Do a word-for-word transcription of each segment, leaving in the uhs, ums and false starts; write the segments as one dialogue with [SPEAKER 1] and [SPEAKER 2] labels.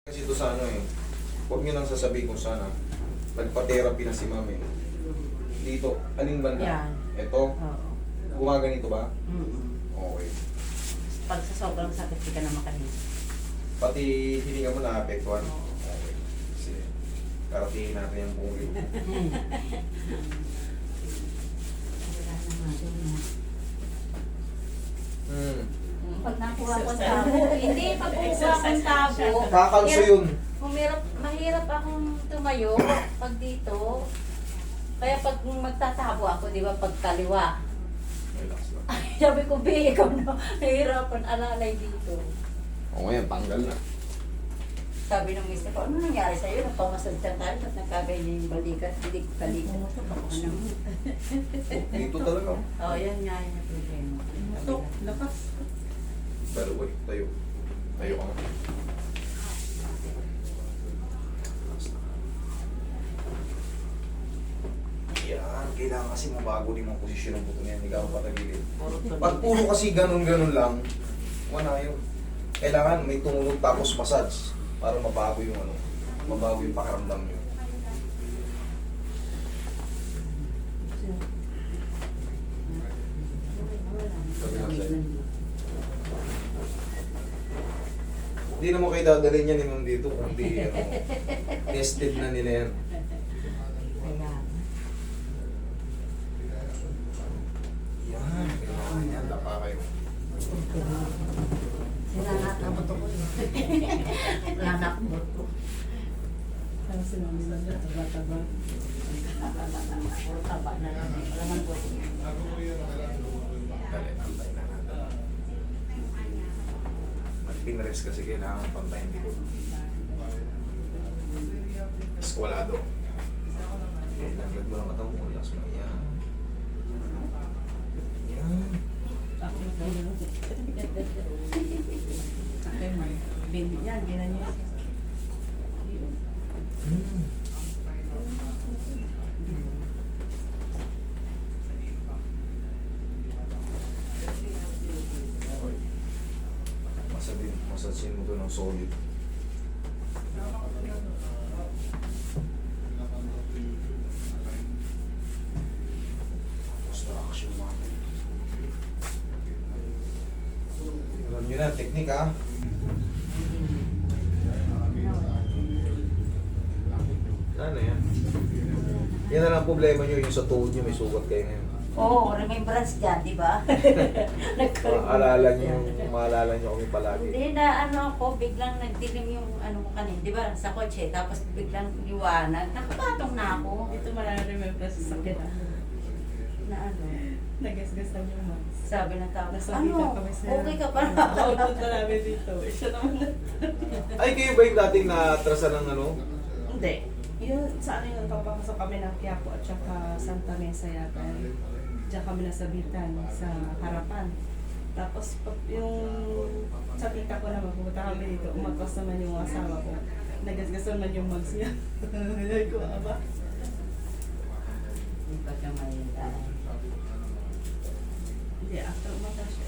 [SPEAKER 1] Kasi ito sa ano eh, huwag nyo nang sasabihin kung sana. Nagpa-therapy na si mami. Dito, aling banda?
[SPEAKER 2] Yan.
[SPEAKER 1] Ito,
[SPEAKER 2] Oo.
[SPEAKER 1] gumaganito ba?
[SPEAKER 2] Mm-mm.
[SPEAKER 1] Okay.
[SPEAKER 2] Pag sa sobrang sakit, di ka na makahinga.
[SPEAKER 1] Pati hininga mo na-apektuhan?
[SPEAKER 2] Oo.
[SPEAKER 1] Okay. Kasi, karatingin natin yung buong linggo.
[SPEAKER 2] Wala na nga doon, no?
[SPEAKER 1] Hmm.
[SPEAKER 2] Pag nakuha ko ang tabo, hindi, pag kukuha ko ang tabo,
[SPEAKER 1] Kakalso yun.
[SPEAKER 2] Humirap, mahirap akong tumayo pag dito. Kaya pag magtatabo ako, di ba, pag kaliwa.
[SPEAKER 1] Relax lang.
[SPEAKER 2] Sabi ko, Bi, ikaw na, nahihirapan alalay dito.
[SPEAKER 1] O ngayon, tanggal na.
[SPEAKER 2] Sabi ng mister ko, ano nangyari sa'yo? Napamasad ka tayo, ba't nagkaganyan yung balikat? Hindi ko balikat. Ano?
[SPEAKER 1] Dito talaga.
[SPEAKER 2] Oo, yan nga yung problema.
[SPEAKER 3] Ito, lakas.
[SPEAKER 1] Pero wait, tayo. Tayo ka nga. Yan, kailangan kasi mabago din ang posisyon ng buto niyan, hindi ka patagilid. Pag puro kasi ganun-ganun lang, wala yun. Kailangan may tumunog tapos massage para mabago yung ano, mabago yung pakiramdam nyo. Sabi nga sa'yo. Hindi naman kayo dadalhin yan naman dito kung di, ano, tested na nila yan.
[SPEAKER 2] Kaya,
[SPEAKER 1] Yan, kailangan yan, laka kayo.
[SPEAKER 2] sila lahat ang buto ko yun. Wala na akong buto.
[SPEAKER 3] Parang si Mami Sandra, taba-taba.
[SPEAKER 2] Puro taba na lang. Wala man buto.
[SPEAKER 1] Dali, antay na natin. At pinrest kasi kailangan pantayin dito. Eskwalado. Okay, laglag mo lang katang mo, relax mo. Yan. Yan.
[SPEAKER 3] Ako na tayo. Okay, Mami. Bin, yan, ginan niyo.
[SPEAKER 1] Hmm. Okay. Masabi, masasin mo to ng solid. Construction natin. Alam nyo na, teknik ha. Ano yan? Yan na lang ang problema nyo, yung sa tuhod nyo may sugat kayo ngayon.
[SPEAKER 2] Oo, remembrance dyan, di ba?
[SPEAKER 1] Maalala nyo yung, maalala nyo kami palagi.
[SPEAKER 2] Hindi na ano ako, biglang nagdilim yung ano ko kanina, di ba? Sa kotse, tapos biglang liwanag. Nakapatong na ako.
[SPEAKER 3] Ito mararemember sa sakit.
[SPEAKER 2] Na ano,
[SPEAKER 3] Nagasgasan yung Mami.
[SPEAKER 2] sabi ng tao,
[SPEAKER 3] Nasabi
[SPEAKER 2] ano,
[SPEAKER 3] ka kami sa...
[SPEAKER 2] okay ka pa na.
[SPEAKER 3] Output na namin dito. Siya naman na.
[SPEAKER 1] Ay, kayo ba yung dating na-atrasan ng ano?
[SPEAKER 3] Hindi. Yun, sa ano yung papapasok kami ng Quiapo at saka Santa Mesa yata. Diyan kami nasabitan sa harapan. Tapos pag yung sa tita ko naman, pumunta kami dito, umatras naman yung asawa ko. Nagasgasan man yung mags niya. Ay ko, aba.
[SPEAKER 2] Hindi pa ka may daan.
[SPEAKER 3] Hindi, after umatras siya.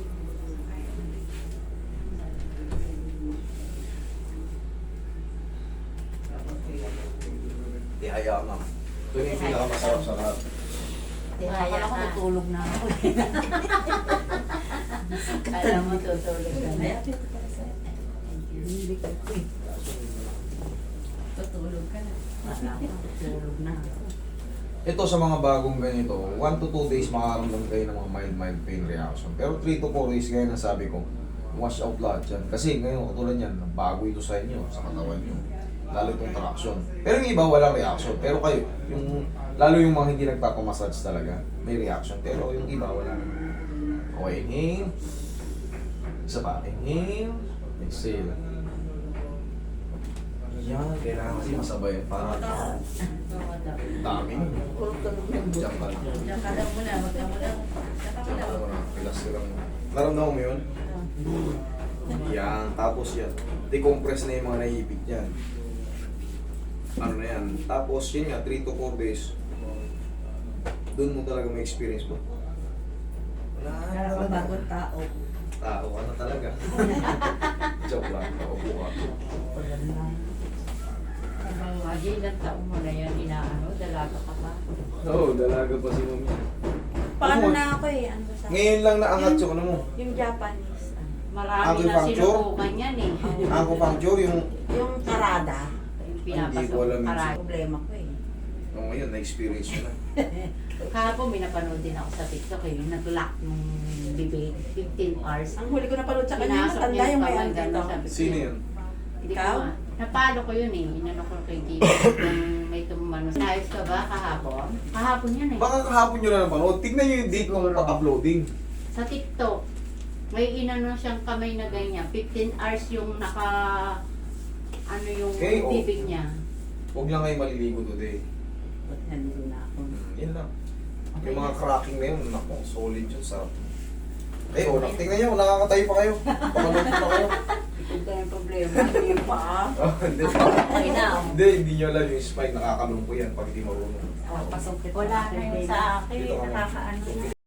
[SPEAKER 1] Di hayaan ma'am. Ito yung pinakamasarap sa lahat.
[SPEAKER 2] Akala ko tutulog na ako. Kala mo tutulog ka
[SPEAKER 3] Ay,
[SPEAKER 2] na.
[SPEAKER 3] ate, ito para sa'yo.
[SPEAKER 2] Hindi ka eh.
[SPEAKER 3] Tutulog ka na.
[SPEAKER 2] Akala ko tutulog na ako.
[SPEAKER 1] Ito sa mga bagong ganito, one to two days makakaramdam kayo ng mga mild mild pain reaction. Pero three to four days gaya na sabi ko, wash out lahat yan. Kasi ngayon, katulad yan, bago ito sa inyo, sa katawan nyo. Lalo itong traction. Pero yung iba walang reaction. Pero kayo, yung, lalo yung mga hindi nagpapamassage talaga, may reaction. Pero yung iba wala naman. Okay, inhale. Isa pa, inhale. Exhale. Yan, kailangan kasi masabay. Para dami.
[SPEAKER 2] Puro tulog na yung
[SPEAKER 1] Diyan ka lang.
[SPEAKER 2] Diyan ka lang muna, wag ka muna. Diyan ka
[SPEAKER 1] Diyan ka
[SPEAKER 2] muna.
[SPEAKER 1] lang. Relax ka lang. Naramdaman mo yun? Yan, tapos yan. Decompress na yung mga naiipit yan. Ano na yan. Tapos yun nga, three to four days. Doon mo talaga may experience mo. Wala.
[SPEAKER 3] Kaya ako bagong tao.
[SPEAKER 1] Tao ka na talaga. Joke lang, naupo ka.
[SPEAKER 2] Imagine, ilang taong mo na yan, inaano, dalaga ka pa.
[SPEAKER 1] Oo, dalaga pa si mami.
[SPEAKER 2] Paano
[SPEAKER 1] Ano?
[SPEAKER 2] na ako eh, ano sa...
[SPEAKER 1] Ngayon lang naangat yung ano mo.
[SPEAKER 2] Yung Japanese, ano, marami na
[SPEAKER 1] Acupuncture?
[SPEAKER 2] sinubukan yan eh.
[SPEAKER 1] Acupuncture, yung
[SPEAKER 2] Yung karada, yung
[SPEAKER 1] Hindi
[SPEAKER 2] pinapasok
[SPEAKER 1] ko alam
[SPEAKER 2] yung
[SPEAKER 1] yun.
[SPEAKER 2] karada. Problema ko eh.
[SPEAKER 1] oh, ngayon, na-experience mo na.
[SPEAKER 2] Kahapon may napanood din ako sa TikTok eh, yung nag-lock nung bibig, fifteen hours.
[SPEAKER 3] Ang huli ko napanood sa kanya,
[SPEAKER 2] Pinasok
[SPEAKER 3] matanda
[SPEAKER 2] niya
[SPEAKER 3] yung may
[SPEAKER 2] kamay,
[SPEAKER 3] ano dito.
[SPEAKER 2] gano'n, sabi ko,
[SPEAKER 1] Sino yun?
[SPEAKER 2] Hindi ko
[SPEAKER 3] Ikaw?
[SPEAKER 2] ma- Napalo ko yun eh, inano ko kay Gino. Kung may tumano. Sinayos ka ba kahapon? Kahapon yun eh.
[SPEAKER 1] Baka kahapon nyo na napanood. Tignan nyo yung date ng
[SPEAKER 2] Siguro.
[SPEAKER 1] pa-uploading.
[SPEAKER 2] Sa TikTok, may inano siyang kamay na ganyan. fifteen hours yung naka, ano yung
[SPEAKER 1] Okay, oh.
[SPEAKER 2] bibig niya.
[SPEAKER 1] Huwag lang kayo maliligo today.
[SPEAKER 2] Ba't nandun na ako?
[SPEAKER 1] Hmm, yun lang.
[SPEAKER 2] Okay
[SPEAKER 1] Yung mga
[SPEAKER 2] na.
[SPEAKER 1] cracking na yun, naku, solid yun sa... Eh, oh, tingnan nyo, nakakatayo pa kayo. Pakanood pa kayo.
[SPEAKER 2] Ito yung problema, hindi pa.
[SPEAKER 1] Oh, hindi.
[SPEAKER 2] Okay na. oh.
[SPEAKER 1] Hindi, hindi nyo alam yung spine, nakakalong po yan pag hindi marunong.
[SPEAKER 3] Pasok kita.
[SPEAKER 2] Wala na yun sa akin,
[SPEAKER 1] Dito ka muna.
[SPEAKER 2] nakakaano.